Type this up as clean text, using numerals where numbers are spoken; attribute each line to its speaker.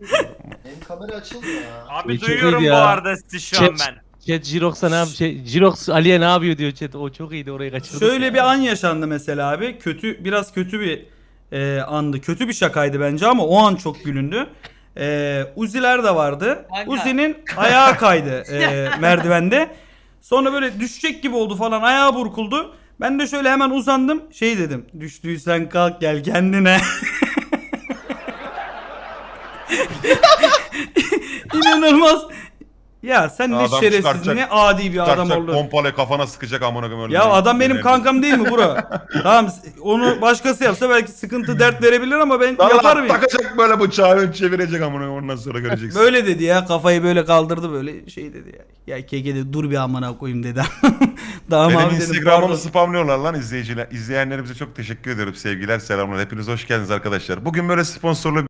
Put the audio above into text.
Speaker 1: Benim kamera açılmıyor ya.
Speaker 2: Abi
Speaker 3: Çok
Speaker 2: duyuyorum
Speaker 3: iyiydi
Speaker 2: bu
Speaker 3: ya.
Speaker 2: arada sizi şu an ben.
Speaker 3: Chat Jirox'a ne yapıyor? Jirox Ali'ye ne yapıyor diyor chat. O çok iyiydi, orayı kaçırdık.
Speaker 4: Şöyle bir an yaşandı mesela abi. Biraz kötü bir andı. Kötü bir şakaydı bence ama o an çok gülündü. Uzi'ler de vardı.
Speaker 5: Kanka.
Speaker 4: Uzi'nin ayağı kaydı merdivende. Sonra böyle düşecek gibi oldu falan. Ayağı burkuldu. Ben de şöyle hemen uzandım. Şey dedim. Düştüysen kalk gel kendine. İnanılmaz. Ya sen ne
Speaker 6: Adam
Speaker 4: şerefsiz,
Speaker 6: çıkartacak-
Speaker 4: ne adi bir adam
Speaker 6: Çakacak
Speaker 4: oldun.
Speaker 6: pompayla kafana sıkacak amına koyayım öyle.
Speaker 4: Ya adam benim kankam değil mi bro? Tamam, onu başkası yapsa belki sıkıntı dert verebilir ama ben yaparım ya.
Speaker 6: Takacak böyle bıçağı ön çevirecek amına koyayım, ondan sonra göreceksin.
Speaker 4: Böyle dedi ya, kafayı böyle kaldırdı böyle şey dedi ya. Ya keke dedi, dur bir amına koyayım dedi. Tamam
Speaker 6: Benim
Speaker 4: abi dedim,
Speaker 6: Instagram'ımı
Speaker 4: pardon.
Speaker 6: spamlıyorlar lan izleyiciler. İzleyenlerimize çok teşekkür ederim. Sevgiler, selamlar. Hepiniz hoş geldiniz arkadaşlar. Bugün böyle sponsorlu